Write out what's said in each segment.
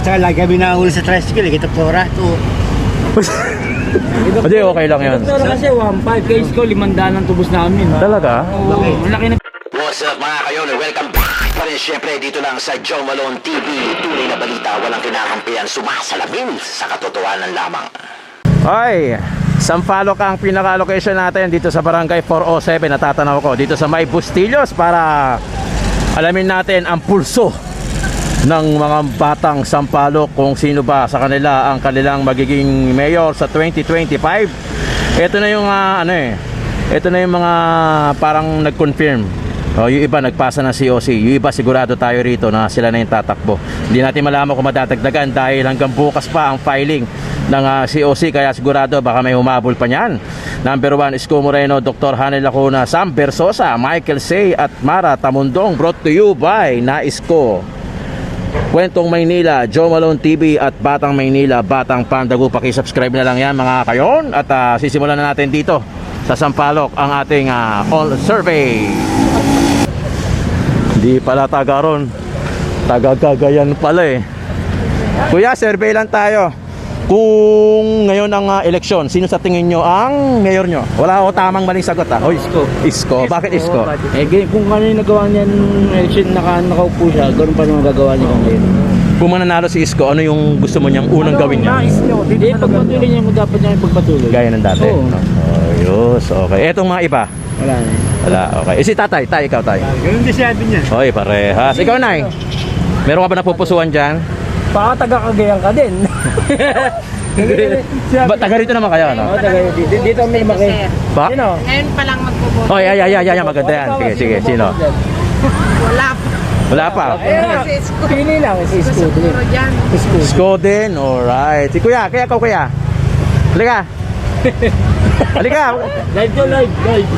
Tsaka lagi kami nahuli sa tricycle, kita pora to. Hindi, okay lang yun. Pero kasi 1.5, case ko 500 ang tubos namin. Talaga? Oo, ang laki na. What's up mga kayon? Welcome back pa rin syempre dito lang sa Joe Malone TV. Tunay na balita, walang kinakampihan, sumasalamin sa katotohanan lamang. Ay, Sampaloc ang pinaka-location natin dito sa Barangay 407. Natatanaw ko dito sa May Bustillos para alamin natin ang pulso ng mga batang Sampaloc, kung sino ba sa kanila ang kanilang magiging mayor sa 2025. Ito na yung ito na yung mga parang nag-confirm. Yung iba nagpasa ng COC, yung iba sigurado tayo rito na sila na yung tatakbo. Hindi natin malaman kung madadagdagan dahil hanggang bukas pa ang filing ng COC, kaya sigurado baka may humabol pa niyan. Number 1, Isko Moreno, Dr. Hanel Lacuna, Sam Bersosa, Michael Say at Mara Tamundong. Brought to you by Naisko, Kwentong Maynila, Joe Malone TV at Batang Maynila, Batang Pandagu. Paki-subscribe na lang yan mga kayon. At sisimulan na natin dito sa Sampaloc ang ating all survey. Hindi pala taga ron, taga Cagayan pala eh. Kuya, survey lang tayo. Kung ngayon ang eleksyon, sino sa tingin nyo ang mayor nyo? Wala ako tamang maling sagot ha. Isko. Isko. Bakit Isko? Kung ano yung nagawa niyan election, nakaupo siya, ganoon pa naman gagawa niya ngayon. Kung mananalo si Isko, ano yung gusto mo niyang unang gawin niya? Pagpatuloy niya, dapat niya ipagpatuloy. Gaya ng dati. Oo. Ayos, okay. Etong mga iba? Wala na. Wala, okay. Si tatay, ikaw tay. Ganun din sabi niya. Oy, parehas. Ikaw nay, meron ka ba napupusuan dyan? Baka taga-Cagayan ka din. Taga rito naman kayo, no? Oo, dito may maki. Ba? Sino? Ngayon pa lang magboboto. Oh, ay, maganda yan. Sige, sino? Wala pa. Wala pa. Si Isko. Pili lang, si Isko. Siguro dyan. Isko din, alright. Si kuya, kaya ikaw kuya. Halika. Halika. Live to live.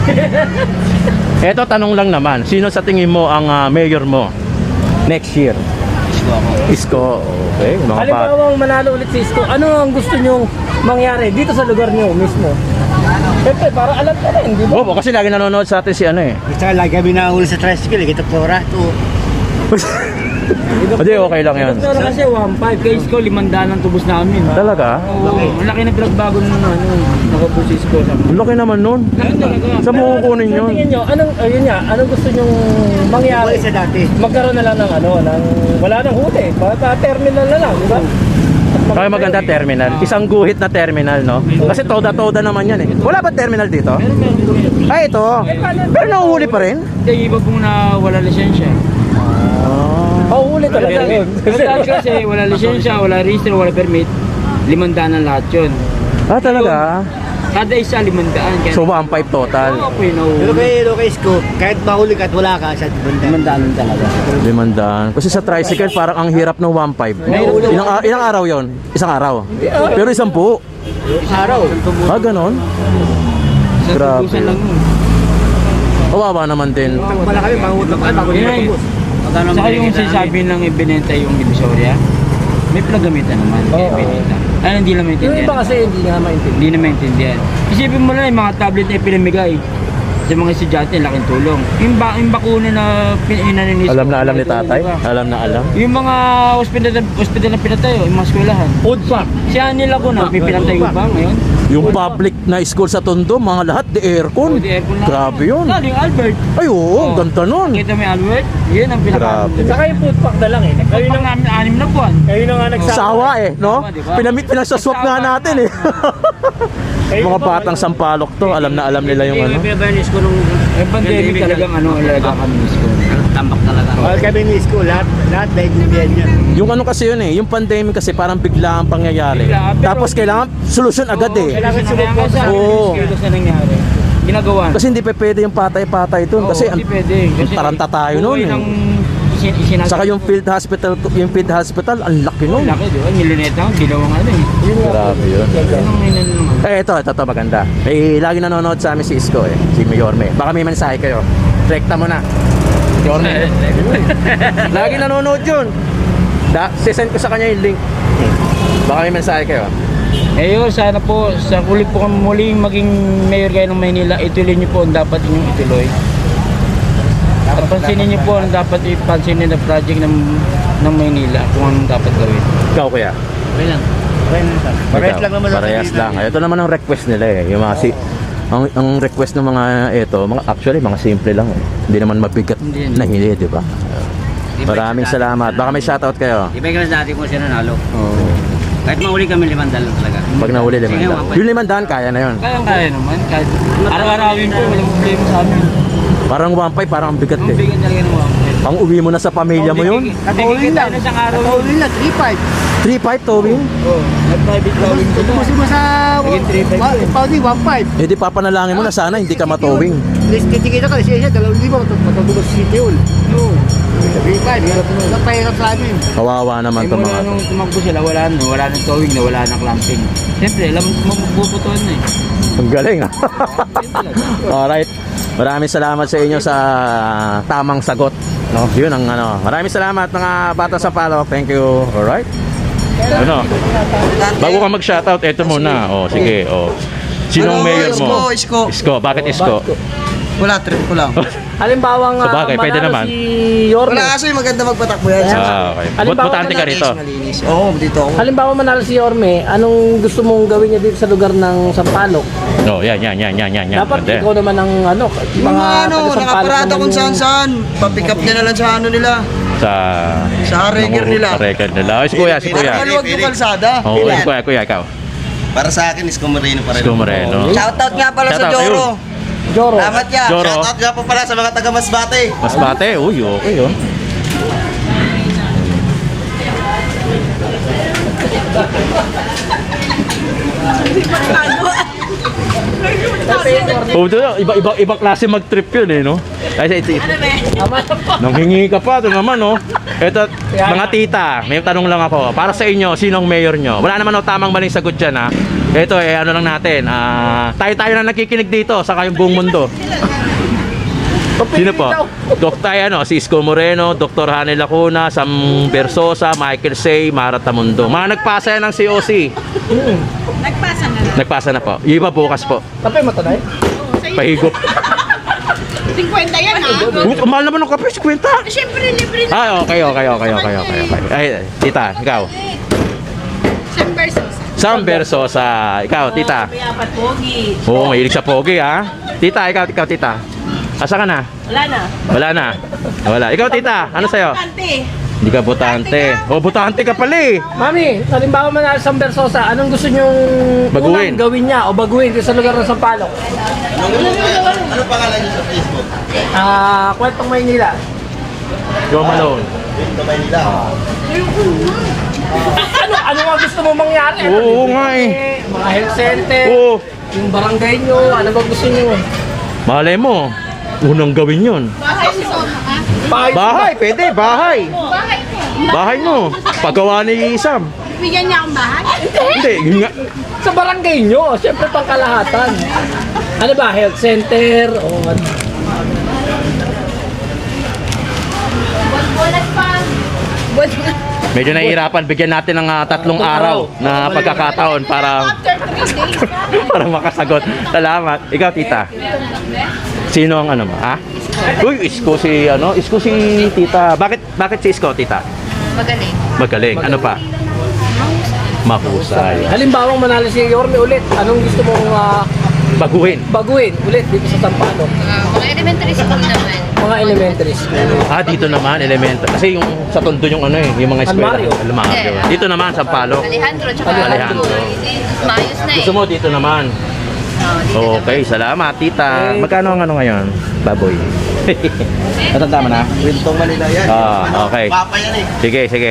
Eto, tanong lang naman. Sino sa tingin mo ang mayor mo next year? Isko. Okay, mga bata. Halimbawa manalo ulit si Isko, ano ang gusto nyong mangyari dito sa lugar nyo mismo? Siyempre, para alam ka rin, di ba? Oo, kasi lagi nanonood sa atin si ano eh. Tsaka lagi kami nahuli sa tricycle, kita pora to. Hindi, okay lang yun. Pero kasi 1.5, case ko 500 ang tubos namin. Talaga? Oo, ang laki na pinagbago nung nakapo si Isko. Ang laki naman nun. Saan mo kukunin yun? Tingin nyo, anong gusto nyong mangyari? Wala sa dati. Magkaroon na lang ng wala nang huli. Terminal na lang, di ba? Kaya maganda terminal. Isang guhit na terminal, no? Kasi toda-toda naman yan eh. Wala ba terminal dito? Ay, ito. Pero nahuhuli pa rin? Hindi, iba pong na wala lisensya. Huli talaga yun. Kasi wala lisensya, wala register, wala permit. 500 ang lahat yun. Talaga? Kada isa 500. So, 1.5 total. Okay, no. Pero kay Isko, kahit mahuli ka at wala ka, sa 500 talaga. 500. Kasi sa tricycle, parang ang hirap ng 1.5. Ilang araw yon? Isang araw? Pero 10. Araw. Ganon? Grabe. Grabe. lang yun. Kawawa naman din. Wala kami, mahutap ka, bago Yun. Saka yung sinasabi ng ibinenta yung Divisoria, may pinagamitan naman. Kaya ibinenta. Hindi na maintindihan. Yung iba kasi hindi na maintindihan. Hindi na maintindihan. Isipin mo na yung mga tablet na pinamigay sa mga estudyante, laking tulong. Yung bakuna na pinaninis. Alam na alam ni tatay? Alam na alam? Yung mga hospital na pinatayo, yung mga eskwelahan. Food pa. Siya nila ko na, pinatayo pa ngayon. Yung public na school sa Tondo, mga lahat, di aircon. Di aircon lang. Grabe yun. Yung Albert. Ay, oo, ganda nun. Kita mo yung Albert? Yun ang Grabe. Saka yung food pack na lang eh. Kayo na nga 6 na buwan. Kayo na nga Sawa eh, no? Diba? Pinagsaswap nga natin eh. Mga batang Sampaloc to, alam na alam nila yung ano. Pinabanis ko nung pandemic talagang talagang kami Isko. Tambak talaga. Mahal kami ni Isko, lahat naiintindihan niya. Yung ano kasi yun eh, yung pandemic kasi parang bigla ang pangyayari. Tapos kailangan solusyon agad eh. Kailangan sumuport sa Oo. na nangyari. Ginagawa. Kasi hindi pa pwede yung patay-patay dun. Kasi hindi pwede. Kasi taranta tayo nun eh. Saka yung field hospital, ang laki nun. Laki, di ba? Niluneta ko, ginawang ano eh. Grabe yun. Anong naman? Ito maganda. Lagi nanonood sa amin si Isko eh, si Mayorme. Baka may mensahe kayo. Rekta mo na. Mayorme. Lagi nanonood yun. Sisend ko sa kanya yung link. Baka may mensahe kayo. Yun, sana po, sa huli po kami muling maging mayor kayo ng Maynila, ituloy niyo po ang dapat inyong ituloy. At pansinin niyo po ang dapat ipansinin na project ng ng Maynila kung anong dapat gawin. Ikaw kuya? Okay lang. Parehas Ikaw? lang naman. Parehas lang. Ito naman ang request nila eh. Yung mga ang request ng mga ito, actually mga simple lang eh. Hindi naman mabigat Hindi. na hindi, di ba? Maraming salamat. Baka may shoutout kayo. Di ba yung dati kung sino nalo? Kahit mahuli kami 500 lang talaga. Pag nahuli 500. Sige, Yung 500 kaya na yun. Kaya naman. Kahit araw-arawin po, walang problema sa amin. Parang 1.5 parang ang bigat Ang eh. bigat talaga ng mga Pang uwi mo na sa pamilya mo yun. Nakikita tayo na isang araw. Tawin lang, 3.5. 3.5 towing. Oo. Nag-private towing ko na. Tubusin mo sa... Naging 3.5. Pauli, 1.5. Eh di papanalangin mo na sana hindi ka matowing. Titikita ka, siya, 2,000 matutulog sa City Hall. Oo. 3.5, napahirap sa amin. Kawawa naman Eh, to mula mga to. nung tumakbo sila, wala nang towing na, wala nang clamping. Siyempre, alam mo magpuputuan na eh. Ang galing ah. Alright. Maraming salamat sa inyo sa tamang sagot. No, yun ang ano. Maraming salamat mga bata sa follow. Thank you. Alright. Ano? Bago ka mag-shoutout, eto muna. Oh, sige. Oh. Sinong mayor mo? Isko. Isko. Bakit Isko? Wala, trip ko lang. Halimbawa nga, Sa bagay, pwede manalo naman. si Yorme. Wala kasi maganda magpatakbo yan. Ah, okay. Halimbawa, Butante ka rito. Malinis. Oo, dito ako. Halimbawa manalo si Yorme, anong gusto mong gawin niya dito sa lugar ng Sampaloc? No, yan. Dapat Ganda. ikaw naman ang ano, Yung mga taga-Sampaloc nakaparada naman kung yung- saan-saan. Papick up nila lang sa ano nila. Sa reger nila. Sa reger nila. Oh, si Kuya. Para maluwag yung kalsada. Oh, Kuya, ikaw. Para sa akin, Isko Moreno pa rin. Isko Moreno. Shoutout nga pala sa Shoutout, Joro. Joro. Salamat ya. Joro. Shoutout nga po pala sa mga taga Masbate. Masbate. Uy, okay oh. Oh, iba klase mag-trip yun eh, no? Kasi ito, nanghingi ka pa, ito naman, no? Ito, mga tita, may tanong lang ako. Para sa inyo, sinong mayor nyo? Wala naman tamang maling sagot dyan, ha? Ito, ano lang natin, tayo na nakikinig dito, saka yung buong mundo. Sino po? Dr. Si Isko Moreno, Dr. Hanel Lacuna, Sam Bersosa, Michael Say, Mara Tamundo. Mga nagpasa yan ng COC. Nagpasa na lang. Nagpasa na po. Yung iba bukas po. Kape mo tanay? Pahigop. 50 yan ha. Mahal naman ng kape, 50. Siyempre, libre na. Ah, okay. Ay, tita, ikaw. Isang versus. Sam Bersosa. Ikaw, tita. May apat pogi. Oo, mahilig sa pogi, ha? Tita, ikaw, tita. Asa ka na? Wala na. Wala. Ikaw, tita, ano sa'yo? Tante. Hindi ka botante. Oh, botante ka pala eh. Mami, halimbawa manalo sa Bersosa, anong gusto nyong Baguhin. unang gawin niya o baguhin dito sa lugar ng Sampaloc? Ano pangalan niyo sa Facebook? Kwentong Maynila. Joe Malone. Sa Maynila. Ano nga gusto mo mangyari? Oo nga eh. Mga health center, Oo. yung barangay nyo, ano ba gusto nyo? Malay mo, unang gawin yun. Bahay si Soma ha? Bahay, pwede, bahay. Bahay ko. Bahay mo. Paggawa ni Isam. Bigyan niya akong bahay? Hindi, yun nga. Sa barangay nyo, siyempre pangkalahatan. Ano ba, health center o ano? Bulat pa. Medyo nahihirapan, bigyan natin ng 3 araw na pagkakataon para After 3 days. para makasagot. Salamat. Ikaw, tita. Sino ang ano mo, ha? Uy, Isko si tita. Bakit si Isko, tita? Magaling. Magaling. Ano pa? Mahusay. Halimbawa manalo si Yorme ulit, anong gusto mong Baguhin. baguhin ulit dito sa Sampaloc? Mga elementary school naman. Mga elementary school. Dito naman, elemental. Kasi yung sa Tondo yung yung mga eskwela. Almario. Almario. Dito naman, sa Palo. Alejandro, tsaka Alejandro. Maayos na Gusto mo dito naman. Okay, salamat, tita. Magkano ang ano ngayon? Baboy. Natanda mo na? Wintong Manila yan. Okay. Papa yan eh. Sige.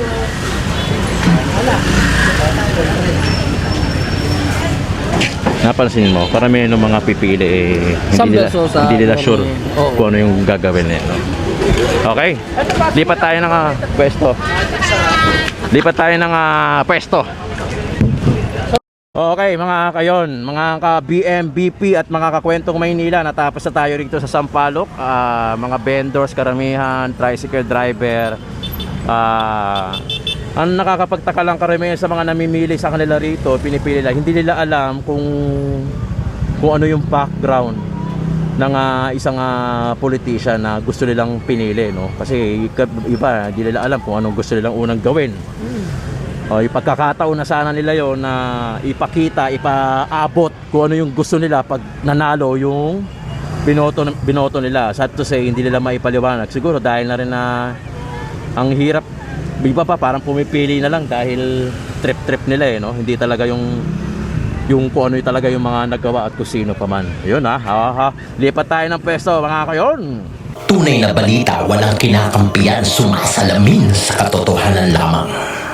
Napansin mo, karamihan ng mga pipili hindi nila sure Oo. kung ano yung gagawin nila. Okay? Lipat tayo ng pwesto. Okay, mga kayon, mga ka-BMBP at mga kakwentong Maynila, natapos na tayo rito sa Sampaloc. Mga vendors, karamihan, tricycle driver. Ang nakakapagtaka lang karamihan sa mga namimili sa kanila rito, pinipili lang, hindi nila alam kung ano yung background isang politician na gusto nilang pinili, no? Kasi iba, di nila alam kung anong gusto nilang unang gawin. O, ipagkakataon na sana nila yon na ipakita, ipaabot kung ano yung gusto nila pag nanalo yung binoto nila. Sad to say, hindi nila maipaliwanag. Siguro dahil na rin na ang hirap, iba pa parang pumipili na lang dahil trip nila no? Hindi talaga yung kung ano talaga yung mga nagawa at kung sino pa man. Yun lipat tayo ng pwesto mga kayon. Tunay na balita, walang kinakampiyan, sumasalamin sa katotohanan lamang.